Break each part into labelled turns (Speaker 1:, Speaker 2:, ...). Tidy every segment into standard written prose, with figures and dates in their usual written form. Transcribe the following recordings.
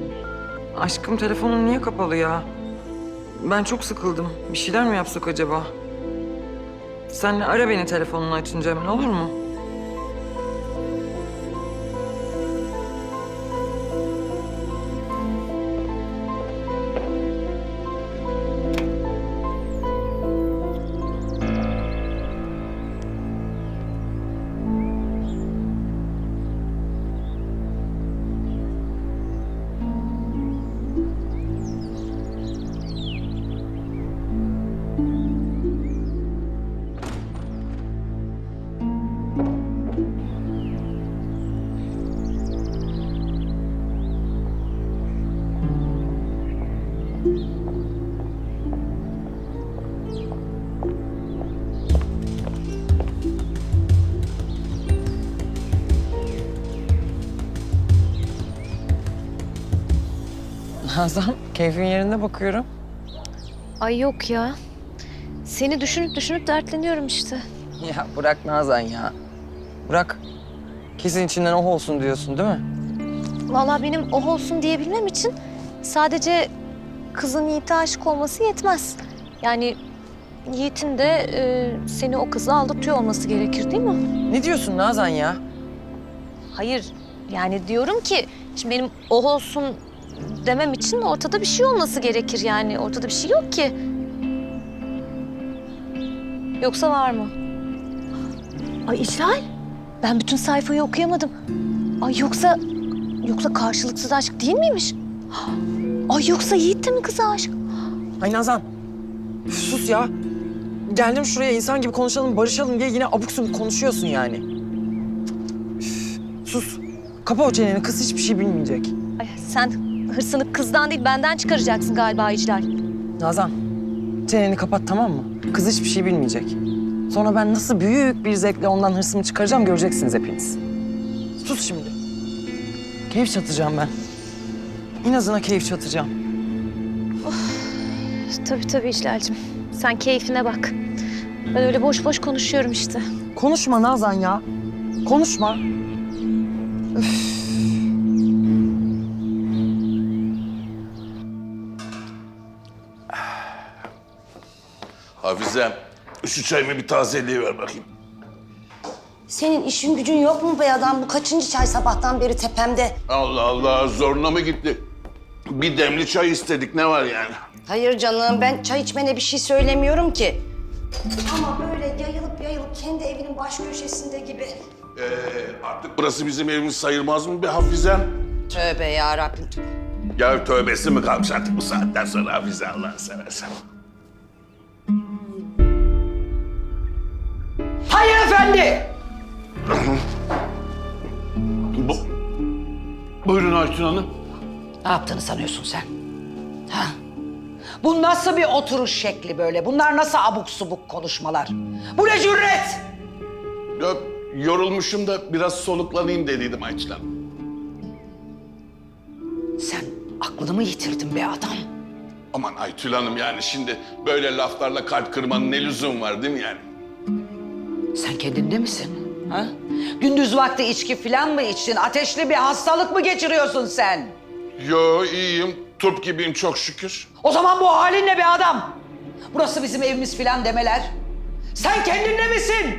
Speaker 1: Aşkım telefonun niye kapalı ya? Ben çok sıkıldım. Bir şeyler mi yapsak acaba? Sen ara beni telefonunu açınca hemen, olur mu? Nazan, keyfin yerinde bakıyorum.
Speaker 2: Ay yok ya. Seni düşünüp düşünüp dertleniyorum işte.
Speaker 1: Ya bırak Nazan ya. Bırak. Kesin içinden oh olsun diyorsun değil mi?
Speaker 2: Vallahi benim oh olsun diyebilmem için sadece kızın Yiğit'e aşık olması yetmez. Yani Yiğit'in de seni o kıza aldatıyor olması gerekir değil mi?
Speaker 1: Ne diyorsun Nazan ya?
Speaker 2: Hayır, yani diyorum ki şimdi benim oh olsun demem için ortada bir şey olması gerekir yani. Ortada bir şey yok ki. Yoksa var mı? Ay İclal, ben bütün sayfayı okuyamadım. Ay yoksa karşılıksız aşk değil miymiş? Ay yoksa Yiğit de mi kıza aşık?
Speaker 1: Ay Nazan, üf, sus ya. Geldim şuraya insan gibi konuşalım, barışalım diye yine abuk subuk konuşuyorsun yani. Üf, sus. Kapa o çeneni, kız hiçbir şey bilmeyecek.
Speaker 2: Ay sen hırsını kızdan değil benden çıkaracaksın galiba İclal.
Speaker 1: Nazan, çeneni kapat tamam mı? Kız hiçbir şey bilmeyecek. Sonra ben nasıl büyük bir zevkle ondan hırsımı çıkaracağım göreceksiniz hepiniz. Sus şimdi. Keyif çatacağım ben. İnazına keyif çatacağım.
Speaker 2: Tabii İclal'cim. Sen keyfine bak. Ben öyle boş boş konuşuyorum işte.
Speaker 1: Konuşma Nazan ya. Konuşma. Üf.
Speaker 3: Hafizem, şu çayımı bir tazeliğe bakayım.
Speaker 4: Senin işin gücün yok mu be adam? Bu kaçıncı çay sabahtan beri tepemde?
Speaker 3: Allah Allah, zoruna mı gitti? Bir demli çay istedik, ne var yani?
Speaker 4: Hayır canım, ben çay içmene bir şey söylemiyorum ki. Ama böyle yayılıp kendi evinin baş köşesinde gibi.
Speaker 3: Artık burası bizim evimiz sayılmaz mı be Hafizem?
Speaker 4: Tövbe yarabbim.
Speaker 3: Ya tövbesi mi kalmış artık bu saatten sonra Hafize, Allah'ını seversen.
Speaker 5: Hayır efendi.
Speaker 3: Buyurun Aytun Hanım.
Speaker 5: Ne yaptığını sanıyorsun sen? Ha? Bu nasıl bir oturuş şekli böyle? Bunlar nasıl abuk subuk konuşmalar? Bu ne cüret?
Speaker 3: Ya, yorulmuşum da biraz soluklanayım dediydim Aytun Hanım.
Speaker 5: Sen aklını mı yitirdin be adam?
Speaker 3: Aman Aytun Hanım, yani şimdi böyle laflarla kalp kırmanın ne lüzum var değil mi yani?
Speaker 5: Sen kendinde misin? Ha? Gündüz vakti içki falan mı içtin? Ateşli bir hastalık mı geçiriyorsun sen?
Speaker 3: Yo, iyiyim. Turp gibiyim çok şükür.
Speaker 5: O zaman bu halin ne be adam? Burası bizim evimiz falan demeler. Sen kendinde misin?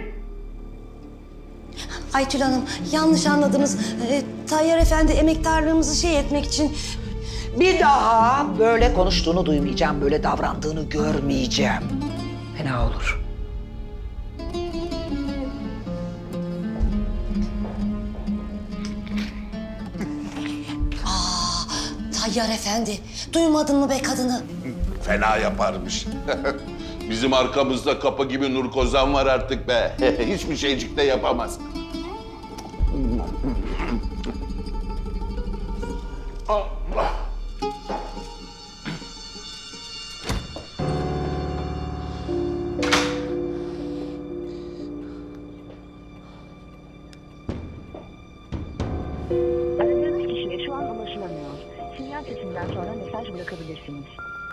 Speaker 4: Aytül Hanım, yanlış anladınız. Tayyar Efendi emektarlığımızı etmek için...
Speaker 5: Bir daha böyle konuştuğunu duymayacağım, böyle davrandığını görmeyeceğim. Fena olur.
Speaker 4: Tayyar Efendi, duymadın mı be kadını?
Speaker 3: Fena yaparmış. Bizim arkamızda kapı gibi Nur Kozan var artık be. Hiçbir şeycik de yapamaz. Allah.
Speaker 6: Aradığınız kişiye şu an ulaşılamıyor. Sinyal sesinden sonra mesaj bırakabilirsiniz.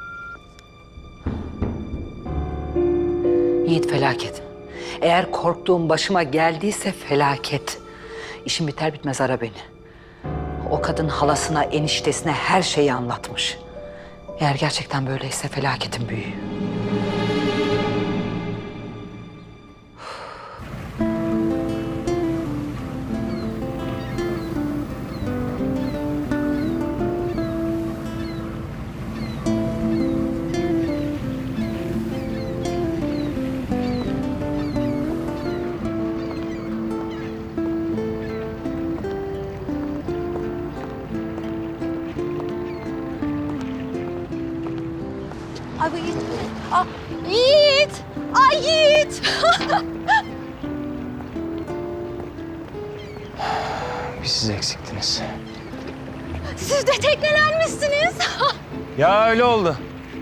Speaker 5: Yiğit felaket. Eğer korktuğum başıma geldiyse felaket. İşim biter bitmez ara beni. O kadın halasına, eniştesine her şeyi anlatmış. Eğer gerçekten böyleyse felaketin büyüğü.
Speaker 2: Ay bu Yiğit. Aa, Yiğit. Ay Yiğit.
Speaker 7: Bir siz eksiktiniz.
Speaker 2: Siz de teknelenmişsiniz.
Speaker 7: Ya öyle oldu.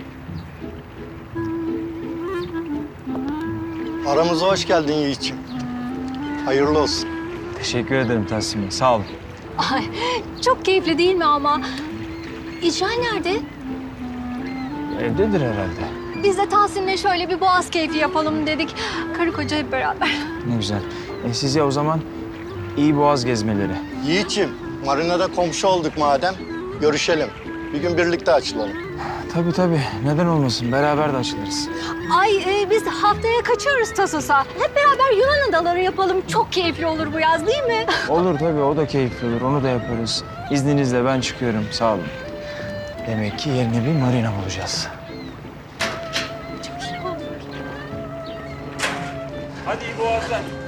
Speaker 8: Aramıza hoş geldin Yiğit'ciğim. Hayırlı olsun.
Speaker 7: Teşekkür ederim Tahsin Bey. Sağ olun.
Speaker 2: Ay, çok keyifli değil mi ama? İcra nerede?
Speaker 7: Evdedir herhalde.
Speaker 2: Biz de Tahsin'le şöyle bir boğaz keyfi yapalım dedik. Karı koca hep beraber.
Speaker 7: Ne güzel. Size o zaman iyi boğaz gezmeleri.
Speaker 8: Yiğit'ciğim, marinada komşu olduk madem. Görüşelim. Bir gün birlikte açılalım.
Speaker 7: Tabii tabii. Neden olmasın? Beraber de açılırız.
Speaker 2: Ay biz haftaya kaçıyoruz Tasos'a. Hep beraber Yunan adaları yapalım. Çok keyifli olur bu yaz değil mi?
Speaker 7: Olur tabii. O da keyifli olur. Onu da yaparız. İzninizle ben çıkıyorum. Sağ olun. Demek ki yerine bir marina bulacağız.
Speaker 2: Çok iyi olur.
Speaker 7: Hadi iyi boğazlar.